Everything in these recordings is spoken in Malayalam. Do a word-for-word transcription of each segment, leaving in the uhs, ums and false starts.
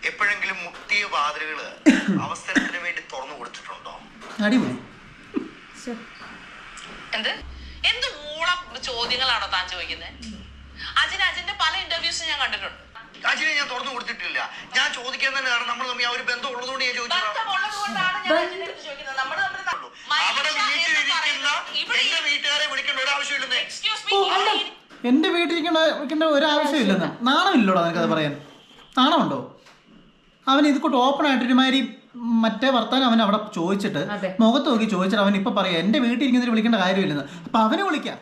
എപ്പോഴെങ്കിലും മുട്ടിയ വാതിലുകള് അവസരത്തിന് വേണ്ടി തുറന്നു കൊടുത്തിട്ടുണ്ടോ? അടിപൊളി. എന്ത് എന്ത് മൂള ചോദ്യങ്ങളാണോ താൻ ചോദിക്കുന്നത്? അജിന് അജിന്റെ പല ഇന്റർവ്യൂസും ഞാൻ കണ്ടിട്ടുണ്ട്. അജിനെ ഞാൻ തുറന്നു കൊടുത്തിട്ടില്ല. ഞാൻ ചോദിക്കാൻ തന്നെ കാരണം നമ്മൾ തമ്മിൽ ആ ഒരു ബന്ധം ഉള്ളതുകൊണ്ട് ഞാൻ ചോദിച്ചു. എന്റെ വീട്ടുകാരെ വിളിക്കേണ്ട ഒരു ആവശ്യമില്ലെന്നേ. എന്റെ വീട്ടിലിരിക്കേണ്ട വിളിക്കേണ്ട ഒരു ആവശ്യമില്ലെന്ന് നാണമില്ലോടാ നിനക്കത് പറയാൻ? നാണമുണ്ടോ? അവൻ ഇത് കൂട്ട് ഓപ്പൺ ആയിട്ട് ഒരുമാതിരി മറ്റേ വർത്താനം അവൻ അവിടെ ചോദിച്ചിട്ട് മുഖത്ത് നോക്കി ചോദിച്ചിട്ട് അവൻ ഇപ്പൊ പറയാം എന്റെ വീട്ടിലിരിക്കുന്നതിന് വിളിക്കേണ്ട കാര്യമില്ലെന്ന്. അപ്പൊ അവനെ വിളിക്കാം.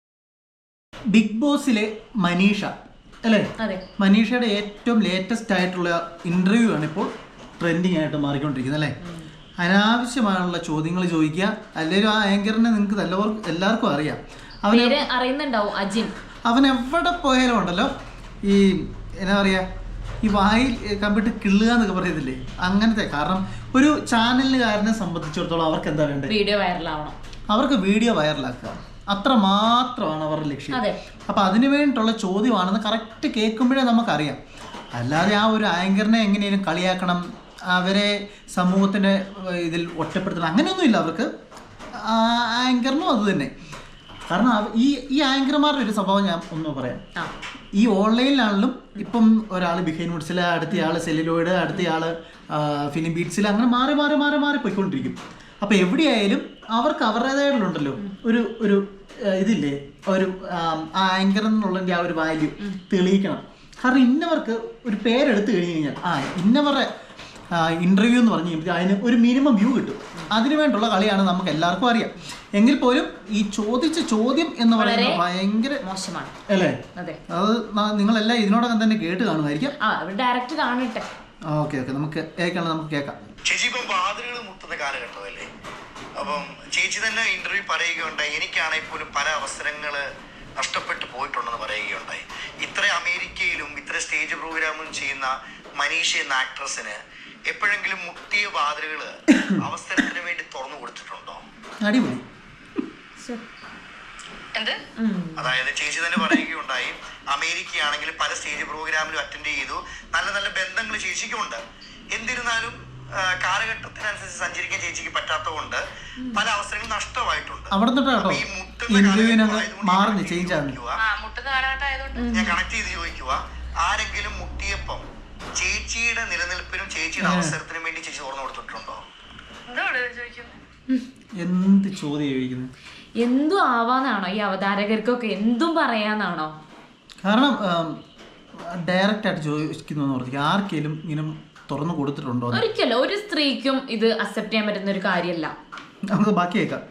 ബിഗ് ബോസിലെ മനീഷ അല്ലേ, മനീഷയുടെ ഏറ്റവും ലേറ്റസ്റ്റ് ആയിട്ടുള്ള ഇന്റർവ്യൂ ആണ് ഇപ്പോൾ ട്രെൻഡിങ് ആയിട്ട് മാറിക്കൊണ്ടിരിക്കുന്നത് അല്ലേ. അനാവശ്യമായുള്ള ചോദ്യങ്ങൾ ചോദിക്കുക. അല്ലെങ്കിൽ ആ ആങ്കറിനെ നിങ്ങൾക്ക് എല്ലാവർക്കും എല്ലാവർക്കും അറിയാം. അവന് അറിയുന്നുണ്ടാവും അജിൻ. അവൻ എവിടെ പോയാലും ഉണ്ടല്ലോ ഈ എന്നാ പറയാ ഈ വായിൽ കമ്പിട്ട് കിള്ളുക എന്നൊക്കെ പറയത്തില്ലേ, അങ്ങനത്തെ. കാരണം ഒരു ചാനലുകാരനെ സംബന്ധിച്ചിടത്തോളം അവർക്ക് എന്താ വേണ്ടത്? വീഡിയോ വൈറലാവണം. അവർക്ക് വീഡിയോ വൈറലാക്കുക, അത്ര മാത്രമാണ് അവരുടെ ലക്ഷ്യം. അപ്പം അതിനു വേണ്ടിയിട്ടുള്ള ചോദ്യമാണെന്ന് കറക്റ്റ് കേൾക്കുമ്പോഴേ നമുക്കറിയാം. അല്ലാതെ ആ ഒരു ആങ്കറിനെ എങ്ങനെയും കളിയാക്കണം, അവരെ സമൂഹത്തിൻ്റെ ഇതിൽ ഒറ്റപ്പെടുത്തണം, അങ്ങനെയൊന്നുമില്ല അവർക്ക്. ആങ്കറിനും അത് തന്നെ. കാരണം ഈ ഈ ആങ്കർമാരുടെ ഒരു സ്വഭാവം ഞാൻ ഒന്ന് പറയാം. ഈ ഓൺലൈനിലാണെങ്കിലും ഇപ്പം ഒരാൾ ബിഹൈൻഡ് വുഡ്സിൽ, അടുത്തയാൾ സെല്ലുലോയിഡ്, അടുത്തയാൾ ഫിലിം ബീറ്റ്സിൽ, അങ്ങനെ മാറി മാറി മാറി മാറി പോയിക്കൊണ്ടിരിക്കും. അപ്പോൾ എവിടെയായാലും അവർക്ക് അവരുടേതായിട്ടുണ്ടല്ലോ ഒരു ഒരു ഇതില്ലേ, ഒരു ആ ആങ്കർ എന്നുള്ളതിൻ്റെ ആ ഒരു വാല്യൂ തെളിയിക്കണം. കാരണം ഇന്നവർക്ക് ഒരു പേരെടുത്ത് കഴിഞ്ഞ് കഴിഞ്ഞാൽ ആ ഇന്നവരുടെ ഇൻ്റർവ്യൂ എന്ന് പറഞ്ഞു കഴിയുമ്പോൾ അതിന് ഒരു മിനിമം വ്യൂ കിട്ടും. അതിനു വേണ്ടിയുള്ള കളിയാണ് നമുക്ക് എല്ലാവർക്കും അറിയാം. എങ്കിൽ പോലും ഈ ചോദിച്ച ചോദ്യം എന്ന് പറയുന്നത് ഭയങ്കര മോശമാണ് അല്ലേ. അത് നിങ്ങളെല്ലാം ഇതിനോടകം തന്നെ കേട്ട് കാണുമായിരിക്കും. ഡയറക്റ്റ് കാണട്ടെ. ഓക്കെ ഓക്കെ നമുക്ക് കേൾക്കണം, നമുക്ക് കേൾക്കാം. ചേച്ചി ഇപ്പം വാതിലുകൾ മുട്ടുന്ന കാലഘട്ടമല്ലേ. അപ്പം ചേച്ചി തന്നെ ഇന്റർവ്യൂ പറയുകയുണ്ടായി, എനിക്കാണെങ്കിൽ പോലും പല അവസരങ്ങൾ നഷ്ടപ്പെട്ടു പോയിട്ടുണ്ടെന്ന് പറയുകയുണ്ടായി. ഇത്ര അമേരിക്കയിലും ഇത്ര സ്റ്റേജ് പ്രോഗ്രാമും ചെയ്യുന്ന മനീഷ എന്ന ആക്ട്രസിന് എപ്പോഴെങ്കിലും മുട്ടിയ വാതിലുകൾ അവസരത്തിന് വേണ്ടി തുറന്നു കൊടുത്തിട്ടുണ്ടോ? അടിപൊളി. അതായത് ചേച്ചി തന്നെ പറയുകയുണ്ടായി, അമേരിക്കയാണെങ്കിൽ പല സ്റ്റേജ് പ്രോഗ്രാമിലും അറ്റൻഡ് ചെയ്തു, നല്ല നല്ല ബന്ധങ്ങൾ ചേച്ചിക്കുണ്ട്. എന്നിരുന്നാലും കാലഘട്ടത്തിനനുസരിച്ച് സഞ്ചരിക്കാൻ ചേച്ചിക്ക് പറ്റാത്തതുകൊണ്ട് പല അവസരങ്ങളും നഷ്ടമായിട്ടുണ്ട്. ഞാൻ കണക്ട് ചെയ്ത് ചോദിക്കുക, ആരെങ്കിലും മുട്ടിയപ്പം ചേച്ചിയുടെ നിലനിൽപ്പിനും ചേച്ചിയുടെ അവസരത്തിനും വേണ്ടി ചേച്ചി തുറന്നു കൊടുത്തിട്ടുണ്ടോ? എന്ത് ചോദ്യം ചോദിക്കുന്നത്? എന്തും ആവാന്നാണോ ഈ അവതാരകർക്കൊക്കെ? എന്തും പറയാന്നാണോ? കാരണം ഡയറക്റ്റ് ആയിട്ട് ചോദിക്കുന്നു, ആർക്കെങ്കിലും ഇങ്ങനെ തുറന്നു കൊടുത്തിട്ടുണ്ടോ? ഒരിക്കലും ഒരു സ്ത്രീക്കും ഇത് അക്സെപ്റ്റ് ചെയ്യാൻ പറ്റുന്ന ഒരു കാര്യമല്ല. നമുക്ക് ബാക്കി കേൾക്കാം.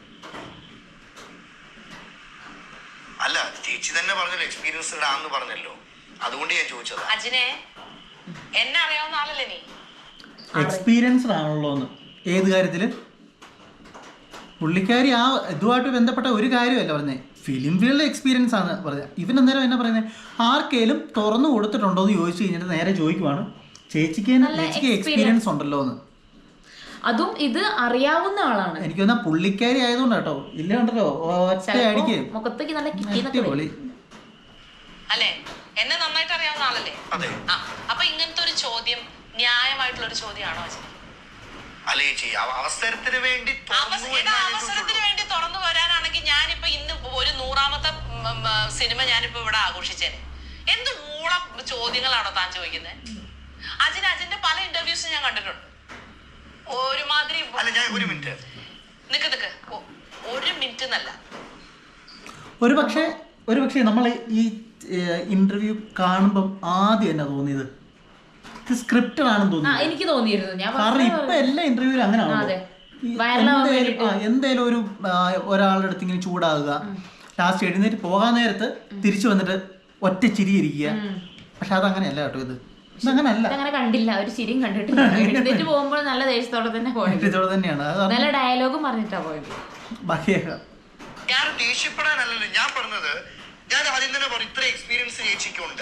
അല്ല, ചേച്ചി തന്നെ പറഞ്ഞല്ലോ എക്സ്പീരിയൻസ്ഡ് ആണെന്ന് പറഞ്ഞല്ലോ, അതുകൊണ്ട് ഞാൻ ചോദിച്ചത്. അജിനെ എന്നെ അറിയാവുന്ന ആളല്ലേ നീ? എക്സ്പീരിയൻസ്ഡ് ആണല്ലോ എന്ന് ഏത് കാര്യത്തില്? പുള്ളിക്കാരി ആ ഇതുമായിട്ട് ബന്ധപ്പെട്ട ഒരു കാര്യമല്ല പറഞ്ഞത്, ഫിലിം ഫീൽഡ് എക്സ്പീരിയൻസ് ആണ് പറഞ്ഞത്. ഇവൻ അന്നേരം എന്നാ പറയുന്നത്, ആർക്കെങ്കിലും തുറന്നു കൊടുത്തിട്ടുണ്ടോ എന്ന് ചോദിച്ചു കഴിഞ്ഞിട്ട് നേരെ ചോദിക്കുവാണ് ചേച്ചിക്ക് ചേച്ചിക്ക് എക്സ്പീരിയൻസ് ഉണ്ടല്ലോ എന്ന്. അതും ഇത് അറിയാവുന്ന ആളാണ്. എനിക്ക് തോന്നാ പുള്ളിക്കാരി ആയതുകൊണ്ട് കേട്ടോ, ഇല്ല ഉണ്ടല്ലോ ഒറ്റ അടിക്ക് മുഖത്തേക്ക് നല്ല അടിപൊളി അല്ലേ. എന്നെ നന്നായിട്ട് അറിയാവുന്ന ആളല്ലേ. അപ്പൊ ഇങ്ങനത്തെ ഒരു ചോദ്യം ന്യായമായിട്ടുള്ള ഒരു ചോദ്യമാണോ? അവസരത്തിന് വേണ്ടി അവസരത്തിന് വേണ്ടി തുറന്നു വരാനാണെങ്കിൽ ഞാനിപ്പോ ഇന്ന് ഒരു നൂറാമത്തെ സിനിമ ഞാനിപ്പോ ഇവിടെ ആഘോഷിച്ചേനെ. എന്ത് മൂള ചോദ്യങ്ങളാണോ താൻ ചോദിക്കുന്നത്? അജിന് അജിന്റെ പല ഇന്റർവ്യൂസും ഞാൻ കണ്ടിട്ടുണ്ട്. ഒരുമാതിരി ഒരു മിനിറ്റ് നിക്ക് നിക്ക് ഒരു മിനിറ്റ് എന്നല്ല, ഒരു പക്ഷേ ഒരു പക്ഷേ നമ്മൾ ഈ ഇന്റർവ്യൂ കാണുമ്പം ആദ്യം എന്നാ തോന്നിയത്, സ്ക്രിപ്റ്റഡ് ആണെന്ന് തോന്നുന്നു. എനിക്ക് തോന്നിയിരുന്നു. കാരണം ഇപ്പൊ എല്ലാ ഇന്റർവ്യൂവിലും അങ്ങനെയാണല്ലോ. എന്തേലും ഒരു ഒരാളുടെ അടുത്ത് ഇങ്ങനെ ചൂടാകുക, ലാസ്റ്റ് എഴുന്നേറ്റ് പോകാൻ നേരത്ത് തിരിച്ചു വന്നിട്ട് ഒറ്റ ചിരിയിരിക്കുക. പക്ഷെ അതങ്ങനെയല്ല കേട്ടോ, ഇത് ഇതങ്ങനല്ല. അങ്ങനെ കണ്ടില്ല, ഒരു ചിരിയും കണ്ടിട്ടില്ല. എഴുന്നേറ്റ് പോകുമ്പോൾ നല്ല ദേഷ്യത്തോടെ തന്നെ പോയത് തന്നെയാണ്, നല്ല ഡയലോഗും പറഞ്ഞിട്ടാ പോയത്. ബാക്കിയേക്കാം. ഞാൻ ദേഷ്യപ്പെടാനല്ലല്ലോ ഞാൻ പറഞ്ഞത്, ഞാൻ ആദ്യം തന്നെ പറഞ്ഞു ഇത്ര എക്സ്പീരിയൻസ് ചേച്ചിക്കുണ്ട്.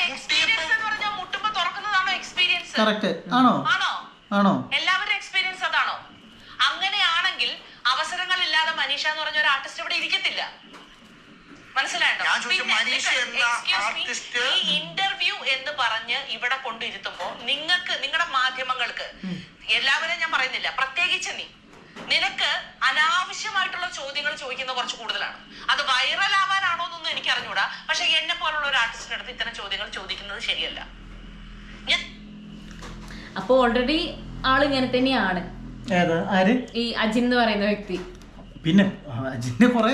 കറക്റ്റ് ആണോ? ആണോ? എല്ലാവരുടെ എക്സ്പീരിയൻസ് അതാണോ? അങ്ങനെയാണെങ്കിൽ അവസരങ്ങൾ ഇല്ലാതെ മനീഷ എന്ന് പറഞ്ഞ ഒരു ആർട്ടിസ്റ്റ് ഇവിടെ ഇരിക്കത്തില്ല. മനസ്സിലായോ? ഈ ഇന്റർവ്യൂ എന്ന് പറഞ്ഞ് ഇവിടെ കൊണ്ടിരുത്തുമ്പോ നിങ്ങൾക്ക് നിങ്ങളുടെ മാധ്യമങ്ങൾക്ക് എല്ലാവരെയും ഞാൻ പറയുന്നില്ല, പ്രത്യേകിച്ച് നീ നിനക്ക് അനാവശ്യമായിട്ടുള്ള ചോദ്യങ്ങൾ ചോദിക്കുന്ന കുറച്ച് കൂടുതലാണ്. അത് വൈറൽ ആവാനാണോ എന്നൊന്നും എനിക്ക് അറിഞ്ഞൂടാ. പക്ഷെ എന്നെ പോലുള്ള ഒരു ആർട്ടിസ്റ്റിന്റെ അടുത്ത് ഇത്തരം ചോദ്യങ്ങൾ ചോദിക്കുന്നത് ശരിയല്ല. ഞാൻ അപ്പൊ ഓൾറെഡി ആള് ഇങ്ങനെ തന്നെയാണ് ഈ അജിൻ എന്ന് പറയുന്ന വ്യക്തി. പിന്നെ അജിന്റെ കുറെ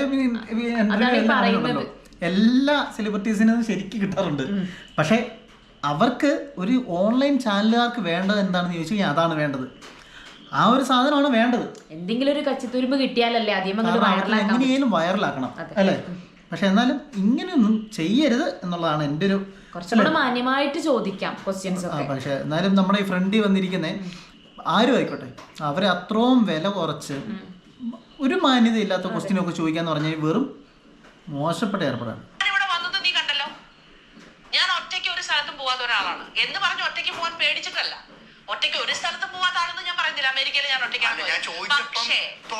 എല്ലാ സെലിബ്രിറ്റീസിനും ശരിക്കും കിട്ടാറുണ്ട്. പക്ഷെ അവർക്ക് ഒരു ഓൺലൈൻ ചാനലുകാർക്ക് വേണ്ടത് എന്താണെന്ന് ചോദിച്ചു കഴിഞ്ഞാൽ അതാണ് വേണ്ടത്. ആ ഒരു സാധനമാണ് വേണ്ടത്. എന്തെങ്കിലും ഒരു കച്ചിത്തുരുമ്പ് കിട്ടിയാലല്ലേ എങ്ങനെയും വൈറലാക്കണം അല്ലേ? പക്ഷെ എന്നാലും ഇങ്ങനെയൊന്നും ചെയ്യരുത് എന്നുള്ളതാണ് എൻ്റെ ഒരു കുറച്ചുകൂടെ മാന്യമായിട്ട് ചോദിക്കാം ക്വസ്റ്റ്യൻസ്. പക്ഷെ എന്നാലും നമ്മുടെ ഈ ഫ്രണ്ടിൽ വന്നിരിക്കുന്ന ആരും ആയിക്കോട്ടെ, അവരെ അത്രയും വില കുറച്ച് ഒരു മാന്യത ഇല്ലാത്ത ക്വസ്റ്റ്യൻ ഒക്കെ ചോദിക്കാന്ന് പറഞ്ഞാൽ വെറും മോശപ്പെട്ട ഏർപ്പെടാണ്. ഇവിടെ വന്നത് നീ കണ്ടല്ലോ. ഞാൻ ഒറ്റയ്ക്ക് ഒരു സ്ഥലത്തും പോവാത്ത ഒരാളാണ് എന്ന് പറഞ്ഞ് ഒറ്റയ്ക്ക് പോകാൻ പേടിച്ചിട്ടല്ല. ഒറ്റയ്ക്ക് ഒരു സ്ഥലത്തും പോവാത്താണെന്ന് ഞാൻ പറയുന്നില്ല. അമേരിക്കയിൽ ഞാൻ ഒറ്റയ്ക്കാണ്. പക്ഷേ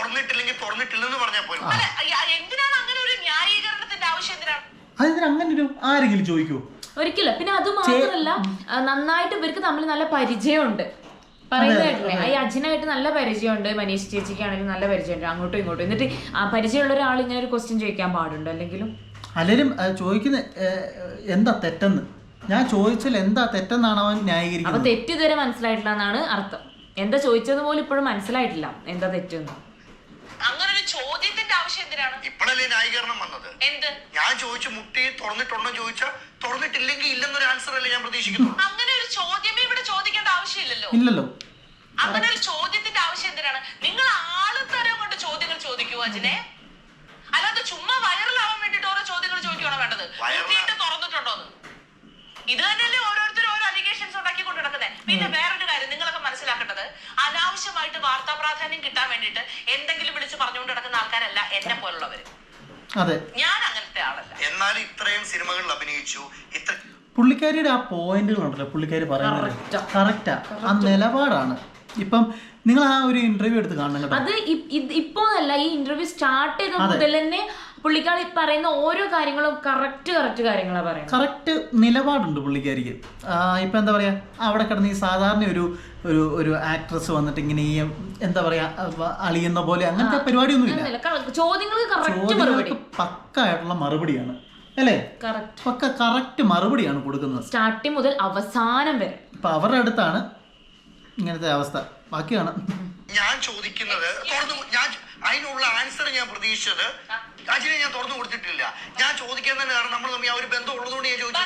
എന്തിനാണ് അങ്ങനെ ഒരു ന്യായീകരണത്തിന്റെ ആവശ്യം? എന്തിനാണ് അതിന് അങ്ങനെ ഒരു ആരെങ്കിലും ചോദിക്കൂ? ഒരിക്കലും. പിന്നെ അത് മാത്രമല്ല, നന്നായിട്ട് ഇവർക്ക് തമ്മിൽ നല്ല പരിചയമുണ്ട്. പറയുന്നതായിട്ടില്ലേ, ഈ അജിനായിട്ട് നല്ല പരിചയമുണ്ട്, മനീഷ് ചേച്ചിക്കാണെങ്കിലും നല്ല പരിചയമുണ്ട്, അങ്ങോട്ടും ഇങ്ങോട്ടും. എന്നിട്ട് ആ പരിചയമുള്ള ഒരാൾ ഇങ്ങനെ ഒരു ക്വസ്റ്റ്യൻ ചോദിക്കാൻ പാടുണ്ട്? അല്ലെങ്കിലും അല്ലെങ്കിലും ചോദിക്കുന്ന എന്താ തെറ്റെന്ന്, ഞാൻ ചോദിച്ചാൽ എന്താ തെറ്റെന്നാണ് അവൻ ന്യായീകരിക്കുന്നത്. അപ്പൊ തെറ്റ് ഇതുവരെ മനസ്സിലായിട്ടില്ല എന്നാണ് അർത്ഥം. എന്താ ചോദിച്ചത് പോലും ഇപ്പോഴും മനസ്സിലായിട്ടില്ല എന്താ തെറ്റെന്ന്. അങ്ങനെ ഒരു ചോദ്യത്തിന്റെ ആവശ്യം എന്തിനാണ്? ഇപ്പോഴല്ലേ ന്യായീകരണം വന്നത്? എന്ത് ഞാൻ ചോദിച്ചു മുട്ടി തുറന്നിട്ടുണ്ടോ ചോദിച്ചാൽ തുറന്നിട്ടില്ലെങ്കിൽ ഇല്ലെന്നൊരു ആൻസർ അല്ലേ ഞാൻ പ്രതീക്ഷിക്കുന്നു. അങ്ങനെ ഒരു ചോദ്യമേ ഇവിടെ ചോദിക്കേണ്ട ആവശ്യമില്ലല്ലോ. ഇല്ലല്ലോ. അങ്ങനെ ഒരു ചോദ്യത്തിന്റെ ആവശ്യം എന്തിനാണ്? നിങ്ങൾ ആള് തരം കൊണ്ട് ചോദ്യങ്ങൾ ചോദിക്കൂ അജിനെ. അല്ലാതെ ചുമ്മാ വൈറലാവാൻ വേണ്ടിട്ട് ഓരോ ചോദ്യങ്ങൾ ചോദിക്കുകയാണോ വേണ്ടത്? മുട്ടിയിട്ട് തുറന്നിട്ടുണ്ടോന്ന്? ഇത് തന്നെയല്ലേ ഓരോരുത്തരും ഓരോ അലിഗേഷൻസ് ഉണ്ടാക്കി കൊണ്ട് നടക്കുന്നത്. പിന്നെ വേറൊരു കാര്യം നിങ്ങളൊക്കെ മനസ്സിലാക്കേണ്ടത്, അനാവശ്യമായിട്ട് വാർത്താ പ്രാധാന്യം കിട്ടാൻ വേണ്ടിട്ട് എന്തെങ്കിലും വിളിച്ച് പറഞ്ഞുകൊണ്ട് നടക്കുന്ന ആൾക്കാരല്ല എന്നെ പോലുള്ളവര്. ഞാൻ അങ്ങനത്തെ ആളല്ല. എന്നാൽ ഇത്രയും സിനിമകളിൽ അഭിനയിച്ചു. ഇത്ര പുള്ളിക്കാരിയുടെ ആ പോയിന്റുകൾ ഉണ്ടല്ലോ, പുള്ളിക്കാരി പറയുന്നത് കറക്റ്റാ. ആ നിലപാടാണ്. ഇപ്പം നിങ്ങൾ ആ ഒരു ഇന്റർവ്യൂ എടുത്ത് കാണണം. അത് ഇപ്പോ അല്ല, ഈ ഇന്റർവ്യൂ സ്റ്റാർട്ട് ചെയ്ത മുതൽ തന്നെ പുള്ളിക്കാരി പറയുന്ന ഓരോ കാര്യങ്ങളും കറക്റ്റ് കറക്റ്റ് കാര്യങ്ങളാണ് പറയുന്നത്. കറക്റ്റ് നിലപാടുണ്ട് പുള്ളിക്കാരിക്ക്. ഇപ്പം എന്താ പറയുക, അവിടെ കിടന്ന് ഈ സാധാരണ ഒരു ഒരു ഒരു ആക്ട്രസ് വന്നിട്ട് ഇങ്ങനെ ഈ എന്താ പറയാ അളിയുന്ന പോലെ അങ്ങനത്തെ പരിപാടിയൊന്നുമില്ല. ചോദ്യങ്ങൾക്ക് പക്കായിട്ടുള്ള മറുപടിയാണ് അല്ലേ? പക്ക കറക്റ്റ് മറുപടിയാണ് കൊടുക്കുന്നത് സ്റ്റാർട്ടിങ് മുതൽ അവസാനം വരെ. ഇപ്പൊ അവരുടെ അടുത്താണ് ഇങ്ങനത്തെ അവസ്ഥ. ബാക്കിയാണ് ഞാൻ ചോദിക്കുന്നത്. ഞാൻ അതിനുള്ള ആൻസർ ഞാൻ പ്രതീക്ഷിച്ചത് അജിനെ ഞാൻ തുറന്നു കൊടുത്തിട്ടില്ല. ഞാൻ ചോദിക്കാൻ തന്നെ കാരണം നമ്മൾ തമ്മിൽ ആ ഒരു ബന്ധം ഉള്ളതുകൊണ്ട് ഞാൻ ചോദിച്ചത്.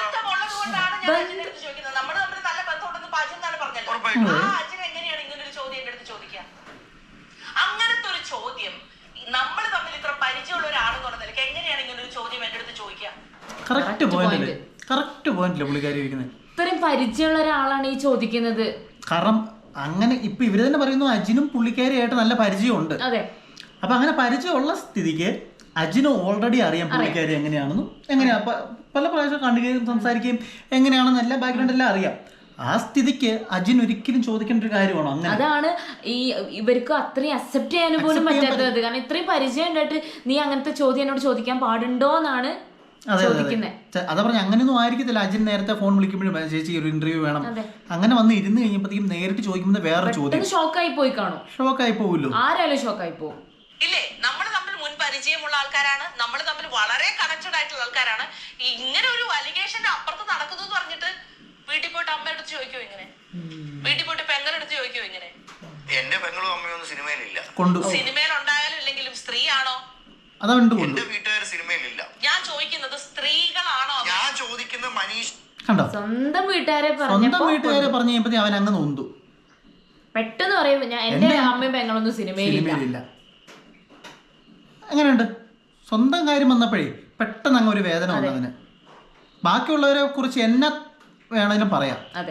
എങ്ങനെയാണ് ഇങ്ങനെ ഒരു ചോദ്യം എന്റെ അടുത്ത് ചോദിക്കുക? അങ്ങനത്തെ ഒരു ചോദ്യം നമ്മൾ തമ്മിൽ ഇത്ര പരിചയമുള്ള ഒരാളെന്ന് പറഞ്ഞ നിലയ്ക്ക് എങ്ങനെയാണ് ഇങ്ങനെ ഒരു ചോദ്യം എന്റെ അടുത്ത് ചോദിക്കുക? കറക്റ്റ് പോയിന്റ് കറക്റ്റ് പോയിന്റില്ല പുള്ളിക്കാരി ചോദിക്കുന്നത്. ഇത്രയും പരിചയമുള്ള ഒരാളാണ് ഈ ചോദിക്കുന്നത്. കാരണം അങ്ങനെ ഇപ്പൊ ഇവര് തന്നെ പറയുന്നു അജിനും പുള്ളിക്കാരിയായിട്ട് നല്ല പരിചയമുണ്ട്. അതെ. അപ്പൊ അങ്ങനെ പരിചയമുള്ള സ്ഥിതിക്ക് അജിന് ഓൾറെഡി അറിയാം പുള്ളിക്കാരി എങ്ങനെയാണെന്നും എങ്ങനെയാ പല പ്രാവശ്യം കാണുകയും സംസാരിക്കുകയും എങ്ങനെയാണെന്ന് എല്ലാ ബാക്ക്ഗ്രൗണ്ട് എല്ലാം അറിയാം. ആ സ്ഥിതിക്ക് അജിൻ ഒരിക്കലും ചോദിക്കേണ്ട ഒരു കാര്യമാണോ? അങ്ങനെ അതാണ് ഈ ഇവർക്ക് അത്രയും അക്സെപ്റ്റ് ചെയ്യാൻ പോലും പറ്റാത്തത്. കാരണം ഇത്രയും പരിചയം ഉണ്ടായിട്ട് നീ അങ്ങനത്തെ ചോദ്യം എന്നോട് ചോദിക്കാൻ പാടുണ്ടോ എന്നാണ് ചോദിക്കുന്നത്. അതാ പറഞ്ഞ അങ്ങനെയൊന്നും ആയിരിക്കത്തില്ല. അജിൻ നേരത്തെ ഫോൺ വിളിക്കുമ്പോഴും ചേച്ചി ഒരു ഇന്റർവ്യൂ വേണം അങ്ങനെ വന്ന് ഇരുന്ന് കഴിഞ്ഞപ്പോഴത്തേക്കും നേരിട്ട് ചോദിക്കുമ്പോൾ വേറെ ചോദ്യം ഷോക്കായി പോയി കാണും. ഷോക്കായി പോവുമല്ലോ, ആരായാലും ഷോക്കായി പോകും. ഇല്ലേ? നമ്മൾ തമ്മിൽ മുൻ പരിചയമുള്ള ആൾക്കാരാണ്, നമ്മൾ തമ്മിൽ വളരെ കണക്റ്റഡ് ആയിട്ടുള്ള ആൾക്കാരാണ്. ഇങ്ങനെ ഒരു അലിഗേഷന്റെ അപ്പുറത്ത് നടക്കുന്നു എന്ന് പറഞ്ഞിട്ട് വീട്ടിൽ പോയിട്ട് അമ്മയെടുത്ത് ചോദിക്കോ ഇങ്ങനെ? വീട്ടിൽ പോയിട്ട് പെങ്ങളെടുത്ത് ചോദിക്കോ ഇങ്ങനെ? എന്റെ പെങ്ങളും അമ്മയൊന്നും സിനിമയിലില്ല. സിനിമയിൽ ഉണ്ടായാലും ഇല്ലെങ്കിലും സ്ത്രീയാണോ? എന്റെ വീട്ടുകാർ സിനിമയിലില്ല. ഞാൻ ചോദിക്കുന്നത് സ്ത്രീകളാണോ? ഞാൻ ചോദിക്കുന്നത് മനീഷ് കണ്ടോ സ്വന്തം വീട്ടുകാരെ സ്വന്തം വീട്ടുകാരെ പറഞ്ഞു കഴിഞ്ഞപ്പോ അവൻ അങ്ങ് നൊന്തു. പെട്ടെന്ന് പറയുമ്പോ ഞാൻ എന്റെ അമ്മയും പെങ്ങളൊന്നും സിനിമയിലില്ല. എങ്ങനെയുണ്ട്? സ്വന്തം കാര്യം വന്നപ്പോഴേ പെട്ടെന്ന് അങ്ങ് ഒരു വേദന വന്നതിന്. ബാക്കിയുള്ളവരെ കുറിച്ച് എന്നെ വേണേലും പറയാം. അതെ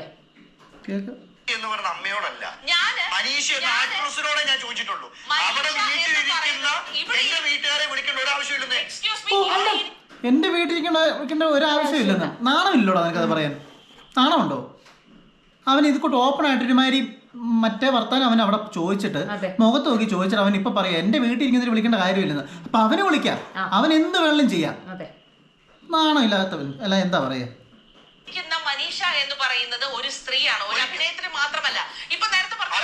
എന്ന് പറഞ്ഞ അമ്മയോടല്ല, മനീഷ് എന്ന ആക്ട്രസിനോടെ ഞാൻ ചോദിച്ചിട്ടുള്ളൂ. അവിടെ വീട്ടിലിരിക്കുന്ന എന്റെ വീട്ടുകാരെ വിളിക്കേണ്ട ഒരു ആവശ്യമില്ലെന്ന്. എന്റെ വീട്ടിലിരിക്കേണ്ട വിളിക്കേണ്ട ഒരു ആവശ്യമില്ലെന്ന് നാണമില്ലോടാ നിനക്കത് പറയാൻ? നാണമുണ്ടോ? അവൻ ഇത് കൂട്ട് ഓപ്പൺ ആയിട്ട് ഒരുമാതിരി മറ്റേ വർത്താനം അവൻ അവിടെ ചോദിച്ചിട്ട് മുഖത്ത് നോക്കി ചോദിച്ചിട്ട് അവൻ ഇപ്പൊ പറയാം എന്റെ വീട്ടിൽ ഇരിക്കുന്നതിന് വിളിക്കേണ്ട കാര്യമില്ലെന്ന്. അപ്പൊ അവനെ വിളിക്കാം, അവൻ എന്ത് വേണമെങ്കിലും ചെയ്യാം. നാണം ഇല്ലാത്തവൻ അല്ല എന്താ പറയാ? മനീഷ എന്ന് പറയുന്നത് ഒരു സ്ത്രീയാണ്, ഒരു അഭിനേത്രി മാത്രമല്ല. ഇപ്പൊ നേരത്തെ പറഞ്ഞു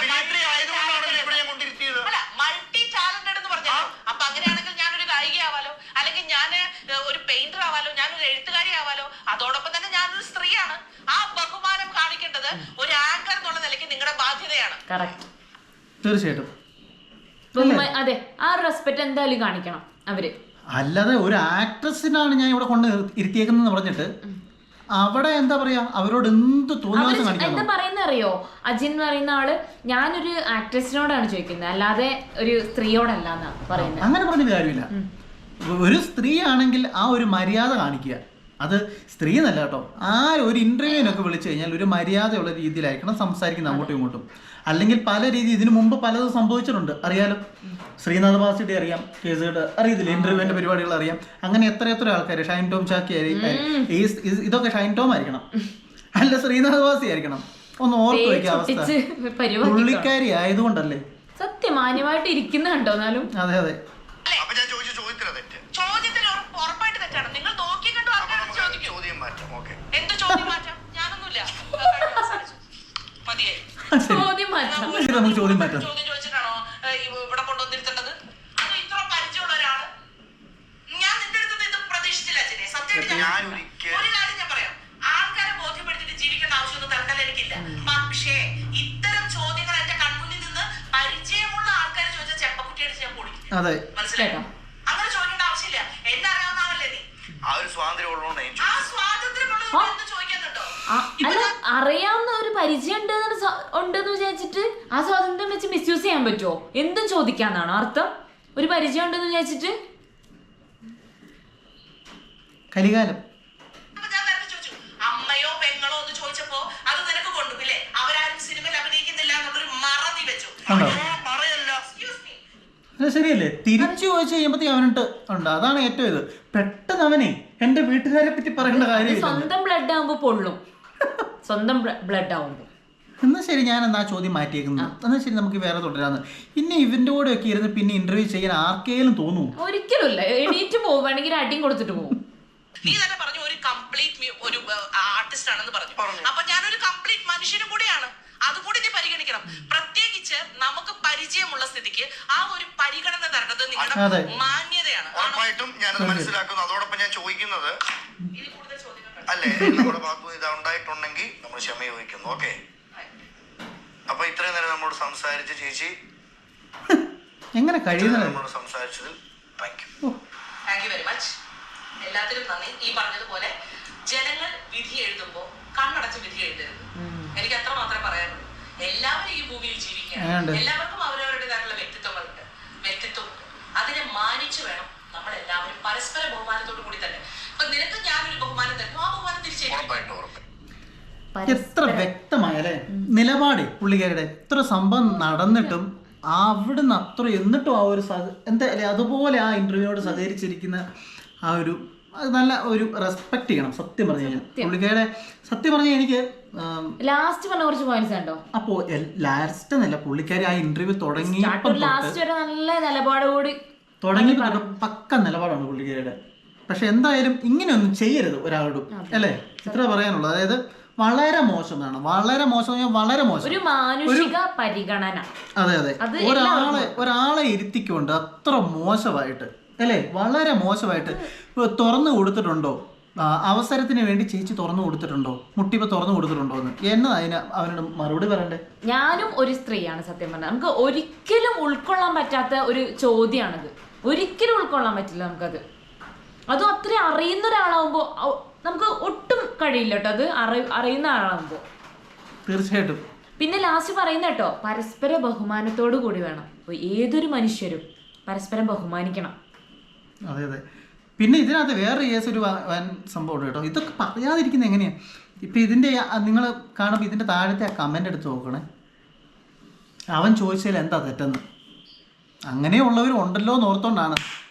അല്ല മൾട്ടി ടാലന്റഡ് എന്ന് പറഞ്ഞാൽ, അപ്പൊ അങ്ങനെയാണെങ്കിൽ ഞാനൊരു ഗായികയാവാലോ, അല്ലെങ്കിൽ ഞാൻ ഒരു പെയിന്റർ ആവാലോ, ഞാനൊരു എഴുത്തുകാരി ആവാലോ, അതോടൊപ്പം തന്നെ ഞാനൊരു സ്ത്രീയാണ്. ആ ബഹുമാനം കാണിക്കേണ്ടത് ഒരു ആങ്കർ എന്നുള്ള നിലയ്ക്ക് നിങ്ങളുടെ ബാധ്യതയാണ്. തീർച്ചയായിട്ടും അതെ, ആ റെസ്പെക്ട് എന്തായാലും കാണിക്കണം അവര്. അല്ലാതെ ഒരു ആക്ട്രസിനാണ് ഞാൻ ഇവിടെ കൊണ്ട് ഇരുത്തിയേക്കുന്നതെന്ന് പറഞ്ഞിട്ട് അവിടെ എന്താ പറയാ അവരോട് എന്ത് തോന്നുന്നു എന്താ പറയുന്ന അറിയോ? അജിൻ എന്ന് പറയുന്ന ആള് ഞാനൊരു ആക്ട്രസിനോടാണ് ചോദിക്കുന്നത്, അല്ലാതെ ഒരു സ്ത്രീയോടല്ല എന്നാ പറയുന്നത്. അങ്ങനെ പറഞ്ഞൊരു കാര്യമില്ല. ഒരു സ്ത്രീ ആണെങ്കിൽ ആ ഒരു മര്യാദ കാണിക്കുക. അത് സ്ത്രീ എന്നല്ല കേട്ടോ, ആ ഒരു ഇന്റർവ്യൂവിനൊക്കെ വിളിച്ചു കഴിഞ്ഞാൽ ഒരു മര്യാദയുള്ള രീതിയിലായിരിക്കണം സംസാരിക്കുന്നത് അങ്ങോട്ടും ഇങ്ങോട്ടും. അല്ലെങ്കിൽ പല രീതി ഇതിനു മുമ്പ് പലതും സംഭവിച്ചിട്ടുണ്ട്, അറിയാലോ. ശ്രീനാഥ് ബാസിയുടെ അറിയാം, കേസുകളുടെ അറിയത്തില്ല, ഇന്റർവ്യൂവിന്റെ പരിപാടികൾ അറിയാം. അങ്ങനെ എത്ര എത്ര ആൾക്കാർ, ഷൈൻ ടോം ചാക്കി ഇതൊക്കെ ഷൈൻ ടോം ആയിരിക്കണം, അല്ല ശ്രീനാഥ് ബാസി ആയിരിക്കണം. ഒന്ന് ഓർത്തു വയ്ക്കുക അവസ്ഥ. പുള്ളിക്കാരി ആയതുകൊണ്ടല്ലേ സത്യം മാന്യമായിട്ട് ഇരിക്കുന്ന കണ്ടോ. എന്നാലും അതെ അതെ നമുക്ക് ചോദ്യം മാറ്റാം. ഇവിടെ കൊണ്ടുവന്നിരുത്തേണ്ടത് അത് ഇത്ര പരിചയമുള്ള ഒരാള് ഞാൻ നിന്റെ അടുത്ത് ഇത് പ്രതീക്ഷിച്ചില്ല. സത്യമായിട്ട് ഒരു കാര്യം ഞാൻ പറയാം, ആൾക്കാരെ ബോധ്യപ്പെടുത്തിട്ട് ജീവിക്കേണ്ട ആവശ്യമൊന്നും തൽക്കാലം എനിക്കില്ല. പക്ഷേ ഇത്തരം ചോദ്യങ്ങൾ എന്റെ കൺമുന്നിൽ നിന്ന് പരിചയമുള്ള ആൾക്കാരെ ചോദിച്ചാൽ ചെപ്പക്കുട്ടിയടിച്ച് ഞാൻ പൊളിക്കും. മനസ്സിലായോ? അങ്ങനെ ചോദിക്കേണ്ട ആവശ്യമില്ല. എന്നെ അറിയാവുന്ന ആളല്ലേ നീ. ആ ഒരു സ്വാതന്ത്ര്യം ഉള്ളതുകൊണ്ട് ആ സ്വാതന്ത്ര്യം ഉള്ളത് ചോദിക്കുന്നുണ്ടോ? അല്ല, അറിയാവുന്ന ഒരു പരിചയം ഉണ്ടെന്ന് വിചാരിച്ചിട്ട് ആ സ്വാതന്ത്ര്യം വെച്ച് മിസ്യൂസ് ചെയ്യാൻ പറ്റുമോ? എന്തും ചോദിക്കാന്നാണോ അർത്ഥം? ഒരു പരിചയം ഉണ്ടെന്ന് വിചാരിച്ചിട്ട് കലികാലം അമ്മയോ പെങ്ങളോ എന്ന് ചോദിച്ചപ്പോ അത് നിനക്ക് കൊണ്ടുപോയില്ലേ? അവരാരും സിനിമയിൽ അഭിനയിക്കുന്നില്ല എന്നുള്ളൊരു മറ നീ വെച്ചു. ശരിയല്ലേ? തിരിച്ചു ചോദിച്ചു കഴിയുമ്പോഴത്തേക്ക് അവനിട്ട് ഉണ്ട്. അതാണ് ഏറ്റവും ഇത്. പെട്ടെന്ന് അവനെ എന്റെ വീട്ടുകാരെ പറ്റി പറയേണ്ട കാര്യം. സ്വന്തം ബ്ലഡ് ആവുമ്പോ പൊള്ളും, സ്വന്തം ബ്ലഡ് ആവുമ്പോ. എന്നാ ശരി, ഞാൻ എന്നാ ചോദ്യം മാറ്റിയേക്കുന്നു. എന്നാ ശരി, നമുക്ക് വേറെ തുടരാന്ന്. പിന്നെ ഇവന്റെ കൂടെ ഒക്കെ ഇരുന്ന് പിന്നെ ഇന്റർവ്യൂ ചെയ്യാൻ ആർക്കെങ്കിലും തോന്നുന്നു? ഒരിക്കലും ഇല്ല. എണീറ്റ് പോവുകയാണെങ്കിൽ അടിയും കൊടുത്തിട്ട് പോകും. നീ തന്നെ പറഞ്ഞു ഒരു കംപ്ലീറ്റ് ഒരു ആർട്ടിസ്റ്റ് ആണെന്ന് പറഞ്ഞു. അപ്പൊ ഞാനൊരു കംപ്ലീറ്റ് മനുഷ്യനും കൂടിയാണ്. അതുകൂടി നീ പരിഗണിക്കണം. പ്രത്യേകിച്ച് നമുക്ക് പരിചയമുള്ള സ്ഥിതിക്ക് ആ ഒരു പരിഗണന തരേണ്ടത് നിങ്ങളുടെ മാന്യതയാണ്. ഉറപ്പായിട്ടും ഞാനത് മനസ്സിലാക്കുന്നു. അതോടൊപ്പം ഞാൻ ചോദിക്കുന്നത് അല്ലേ, നമ്മുടെ ഭാഗത്ത് ഇത് ഉണ്ടായിട്ടുണ്ടെങ്കിൽ നമ്മൾ ക്ഷമ ചോദിക്കുന്നു. ഓക്കെ, അപ്പൊ ഇത്രയും നേരം നമ്മോട് സംസാരിച്ച ചേച്ചി എങ്ങനെ കഴിയുന്നത് നമ്മളോട് സംസാരിച്ചതിൽ thank you thank you very much. എല്ലാത്തിനും നന്ദി. ഈ പറഞ്ഞതുപോലെ ജനങ്ങൾ വിധി എഴുതുമ്പോ കണ്ണടച്ച് വിധി എഴുതരുത്. എനിക്ക് അത്ര മാത്രമേ പറയാനുള്ളൂ. എല്ലാവരും ഈ ഭൂമിയിൽ ജീവിക്കുകയാണ്. എല്ലാവർക്കും അവരവരുടേതായിട്ടുള്ള വ്യക്തിത്വങ്ങളുണ്ട്, വ്യക്തിത്വമുണ്ട്. അതിനെ മാനിച്ചു വേണം നമ്മൾ എല്ലാവരും പരസ്പര ബഹുമാനത്തോടു കൂടി തന്നെ. അപ്പൊ നിനക്ക് ഞാനൊരു ബഹുമാനം തരുന്നു, ആ ബഹുമാനം തിരിച്ചേക്കും. എത്ര വ്യക്തമായല്ലേ നിലപാട് പുള്ളിക്കാരുടെ. എത്ര സംഭവം നടന്നിട്ടും അവിടുന്ന് അത്ര എന്നിട്ടും ആ ഒരു എന്താ അല്ലെ അതുപോലെ ആ ഇന്റർവ്യൂയോട് സഹകരിച്ചിരിക്കുന്ന ആ ഒരു നല്ല ഒരു റെസ്പെക്ട് ചെയ്യണം. സത്യം പറഞ്ഞു കഴിഞ്ഞാൽ പുള്ളിക്കാരുടെ സത്യം പറഞ്ഞാൽ എനിക്ക് ലാസ്റ്റ് പറഞ്ഞ കുറച്ച് പോയിന്റ്സ് ഉണ്ടോ. അപ്പോ ലാസ്റ്റ് എന്നല്ല, പുള്ളിക്കാരി ആ ഇന്റർവ്യൂ തുടങ്ങി തുടങ്ങി പക്ക നിലപാടാണ് പുള്ളിക്കാരിയുടെ. പക്ഷെ എന്തായാലും ഇങ്ങനെയൊന്നും ചെയ്യരുത് ഒരാളോടും, അല്ലേ? ഇത്ര പറയാനുള്ളൂ. അതായത് വളരെ മോശമാണ്, വളരെ മോശം, വളരെ മോശം. ഒരു മാനുഷിക പരിഗണന. അതെ അതെ, ഒരാളെ ഒരാളെ ഇരുത്തിക്കൊണ്ട് അത്ര മോശമായിട്ട്, അല്ലേ? വളരെ മോശമായിട്ട് തുറന്നു കൊടുത്തിട്ടുണ്ടോ? അവസരത്തിന് വേണ്ടി ചേച്ചി തുറന്നു കൊടുത്തിട്ടുണ്ടോ? മുട്ടിപ്പോ തുറന്നു കൊടുത്തിട്ടുണ്ടോ എന്ന് എന്നാ അതിന് അവനോട് മറുപടി പറയണ്ടേ? ഞാനും ഒരു സ്ത്രീയാണ്. സത്യം പറഞ്ഞാൽ നമുക്ക് ഒരിക്കലും ഉൾക്കൊള്ളാൻ പറ്റാത്ത ഒരു ചോദ്യമാണിത്. ഒരിക്കലും ഉൾക്കൊള്ളാൻ പറ്റില്ല നമുക്കത്. അതും അത്ര അറിയുന്ന ഒരാളാവുമ്പോ നമുക്ക് ഒട്ടും കഴിയില്ല കേട്ടോ, അത് അറിയുന്ന ആളാവുമ്പോ. തീർച്ചയായിട്ടും. പിന്നെ ലാസ്റ്റ് പറയുന്ന കേട്ടോ, പരസ്പര ബഹുമാനത്തോടു കൂടി വേണം. ഏതൊരു മനുഷ്യരും പരസ്പരം ബഹുമാനിക്കണം. അതെ അതെ. പിന്നെ ഇതിനകത്ത് വേറെ കേസ് ഒരു വൻ സംഭവം കേട്ടോ. ഇതൊക്കെ പറയാതിരിക്കുന്നത് എങ്ങനെയാ? ഇപ്പം ഇതിൻ്റെ നിങ്ങൾ കാണുമ്പോൾ ഇതിൻ്റെ താഴത്തെ ആ കമൻ്റ് എടുത്ത് നോക്കണേ. അവൻ ചോദിച്ചതിൽ എന്താ തെറ്റെന്ന്. അങ്ങനെയുള്ളവരും ഉണ്ടല്ലോ എന്ന് ഓർത്തോണ്ടാണ്